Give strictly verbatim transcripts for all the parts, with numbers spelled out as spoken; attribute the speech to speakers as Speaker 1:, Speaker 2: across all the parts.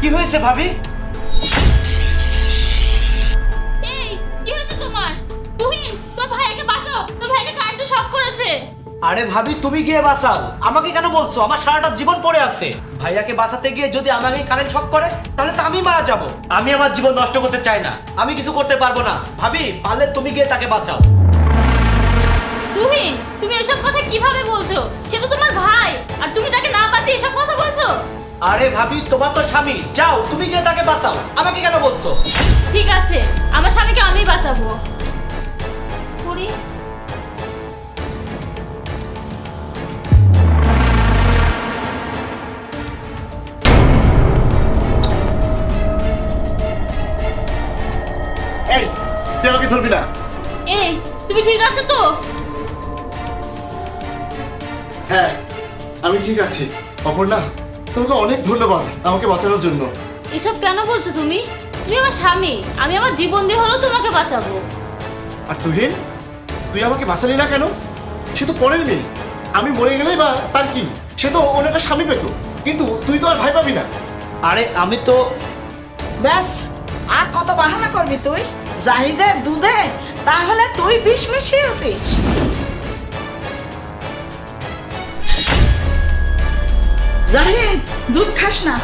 Speaker 1: কি হয়েছে ভাবি?
Speaker 2: এই কি হয়েছে তোমার? তুহিন, তোর ভাইকে বাঁচাও, তোর ভাইকে কারেন্টে শক করেছে।
Speaker 1: আরে ভাবি তুমি গিয়ে বাঁচাও, আমাকে কেন বলছো? আমার সারাটা জীবন পড়ে আছে। ভাইয়াকে বাঁচাতে গিয়ে যদি আমাকে কারেন্ট শক করে তাহলে তো আমি মারা যাব। আমি আমার জীবন নষ্ট করতে চাই না, আমি কিছু করতে পারবো না। ভাবি পারলে তুমি গিয়ে তাকে বাঁচাও।
Speaker 2: তুহিন, তুমি এসব কথা কিভাবে বলছো? সে তো তোমার ভাই, আর তুমি তাকে না বাঁচিয়ে এসব কথা বলছো?
Speaker 1: আরে ভাবি তোমার তো স্বামী, যাও তুমি গিয়ে তাকে বাঁচাও, আমাকে কেন বলছো?
Speaker 2: ঠিক আছে, আমার স্বামীকে আমি বাঁচাবো। করি।
Speaker 3: এই তুই আমাকে ধরবি না।
Speaker 2: এই তুমি ঠিক আছো তো?
Speaker 3: হ্যাঁ আমি ঠিক আছি। অপর্ণা, তোমাকে অনেক ধন্যবাদ আমাকে বাঁচানোর জন্য।
Speaker 2: এসব কেন বলছো তুমি? তুমি আমার স্বামী, আমি আমার জীবন দিয়ে হলেও তোমাকে বাঁচাবো।
Speaker 3: আর তুহিন, তুই আমাকে বাঁচালি না কেন? সে তো পরের মেয়ে, আমি মরে গেলেই বা তার কি? সে তো ওর একটা স্বামী পেত, কিন্তু তুই তো আর ভাই পাবি না।
Speaker 1: আরে আমি তো
Speaker 4: ব্যাস, আর কত বাহানা করবি তুই? জাহিদের দুধে তাহলে তুই বিষ মিশিয়েছিস। জাহিদ, দুধ খাস না।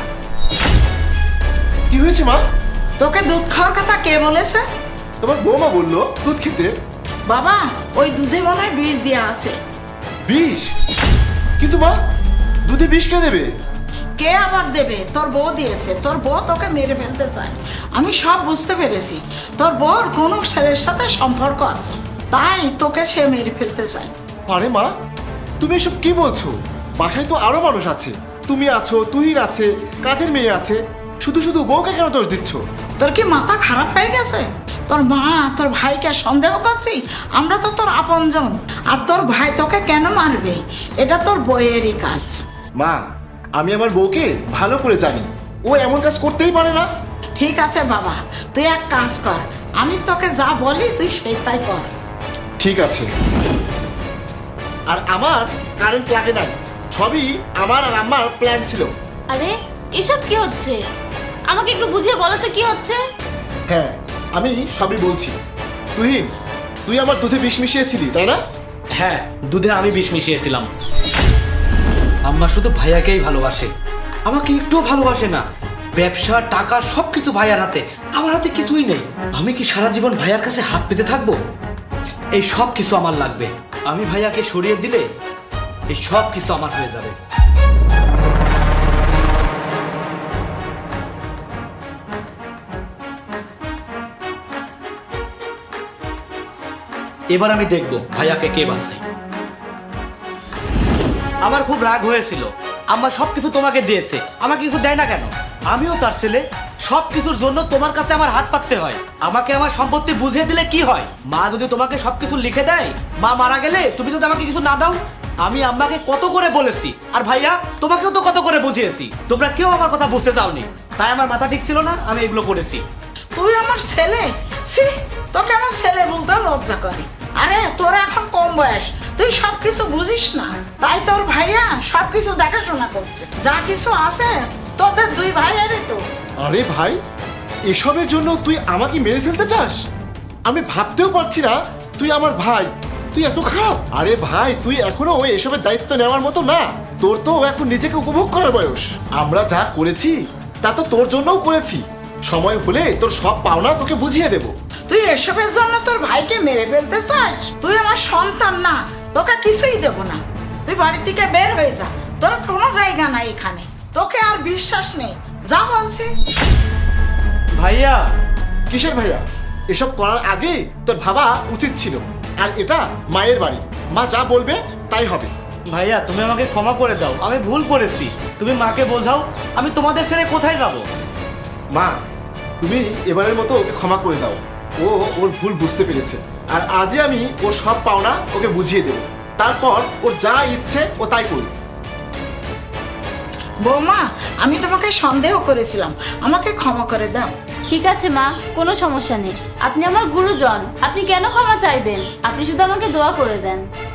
Speaker 3: কি হয়েছে মা?
Speaker 4: তোকে দুধ খাওয়ার কথা কে বলেছে?
Speaker 3: তোমার বৌমা বললো দুধ খেতে।
Speaker 4: বাবা, ওই দুধে মনে হয় বিষ দেওয়া আছে।
Speaker 3: বিষ? কিন্তু মা, দুধে বিষ কে দেবে?
Speaker 4: কে আবার দেবে? তোর বউ দিয়েছে। তোর বউ তোকে মেরে ফেলতে চায়। আমি সব বুঝতে পেরেছি। তোর বউর কোনো ছেলের সাথে সম্পর্ক আছে, তাই তোকে সে মেরে ফেলতে চায়।
Speaker 3: আরে মা, তুমি এসব কি বলছো? বাসায় তো আরো মানুষ আছে, তুমি আছো, তুহিন আছে, কাজের মেয়ে আছে, শুধু শুধু বউকে কেন দোষ দিচ্ছ?
Speaker 4: তোর কি মাথা খারাপ হয়ে গেছে? তোর মা তোর ভাইকে সন্দেহ করছি? আমরা তো তোর আপনজন। আর তোর ভাই তোকে কেন মারবে? এটা তোর বইয়েরই কাজ।
Speaker 3: মা, আমি আমার বউকে ভালো করে জানি, ও এমন কাজ করতেই পারে না।
Speaker 4: ঠিক আছে বাবা, তুই এক কাজ কর, আমি তোকে যা বলি তুই সেই তাই কর।
Speaker 3: ঠিক আছে। আর আমার কারেন্ট লাগে নাই, সবই আমার আর আমার প্ল্যান ছিল।
Speaker 2: আরে এসব কি হচ্ছে? আমাকে একটু বুঝিয়ে বলো তো কি হচ্ছে?
Speaker 3: হ্যাঁ, আমি সবই বলছি। তুহিন, তুই আমার দুধে বিষ মিশিয়েছিলি তাই না?
Speaker 1: হ্যাঁ, দুধে আমি বিষ মিশিয়েছিলাম। আম্মা শুধু ভাইয়াকেই ভালোবাসে, আমাকে একটুও ভালোবাসে না। ব্যবসা, টাকা সবকিছু ভাইয়ার হাতে, আমার হাতে কিছুই নেই। আমি কি সারা জীবন ভাইয়ার কাছে হাত পেতে থাকবো? এই সব কিছু আমার লাগবে। আমি ভাইয়াকে সরিয়ে দিলে এই সব কিছু আমার হয়ে যাবে। এবার আমি দেখবো ভাইয়াকে কে বাঁচায়। আমার খুব রাগ হয়েছিল, আমার সবকিছু তোমাকে দিয়েছে, আমাকে কিছু দেয় না কেন? আমিও তার ছেলে, সবকিছুর জন্য তোমার কাছে আমার হাত পাততে হয়। আমাকে আমার সম্পত্তি বুঝিয়ে দিলে কি হয়? মা যদি তোমাকে সবকিছু লিখে দেয়, মা মারা গেলে তুমি যদি আমাকে কিছু না দাও? আমি আম্মাকে কত করে বলেছি, আর ভাইয়া তোমাকেও তো কত করে বুঝিয়েছি, তোমরা কেউ আমার কথা বুঝতে চাওনি। তাই আমার মাথা ঠিক ছিল না, আমি এগুলো করেছি।
Speaker 4: তুই আমার ছেলে? সি, তোকে আমার ছেলে বলতে লজ্জা করে। আরে তোর এখন কম বয়স, তুই সব কিছু বুঝিস না, তাই তোর ভাইয়া সব কিছু দেখাশোনা করছে। যা কিছু আছে তোদের দুই ভাইয়েরই তো।
Speaker 3: আরে ভাই, এসবের জন্য তুই আমাকে মেরে ফেলতে চাস? আমি ভাবতেও পারছি না তুই আমার ভাই, তুই এত খারাপ। আরে ভাই, তুই এখনো ওই এসবের দায়িত্ব নেওয়ার মতো না। তোর তো এখন নিজেকে উপভোগ করার বয়স। আমরা যা করেছি তা তো তোর জন্যও করেছি। সময় হলে তোর সব পাওনা তোকে বুঝিয়ে দেব।
Speaker 4: তুই এসবের জন্য তোর ভাইকে মেরে ফেলতে চাস? তুই আমার সন্তান না, তোকে কিছুই দেব না। তুই বাড়ি থেকে বের হয়ে যা, তোর কোনো জায়গা নাই এখানে। তোকে আর বিশ্বাস নেই, যা বলছি।
Speaker 1: ভাইয়া,
Speaker 3: কিসের ভাইয়া? এসব করার আগে তোর ভাবা উচিত ছিল। আর এটা মায়ের বাড়ি, মা যা বলবে তাই হবে।
Speaker 1: ভাইয়া তুমি আমাকে ক্ষমা করে দাও, আমি ভুল করেছি। তুমি মাকে বোঝাও, আমি তোমাদের ছেড়ে কোথায় যাব?
Speaker 3: মা, তুমি এবারের মতো ওকে ক্ষমা করে দাও। ও ওর ভুল বুঝতে পেরেছে, আর আজই আমি ওর সব পাওনা ওকে বুঝিয়ে দেব। তারপর ওর যা ইচ্ছে ও তাই করবে।
Speaker 4: বৌমা, আমি তোমাকে সন্দেহ করেছিলাম, আমাকে ক্ষমা করে দাও।
Speaker 2: ঠিক আছে মা, কোনো সমস্যা নেই। আপনি আমার গুরুজন, আপনি কেন ক্ষমা চাইবেন? আপনি শুধু আমাকে দোয়া করে দেন।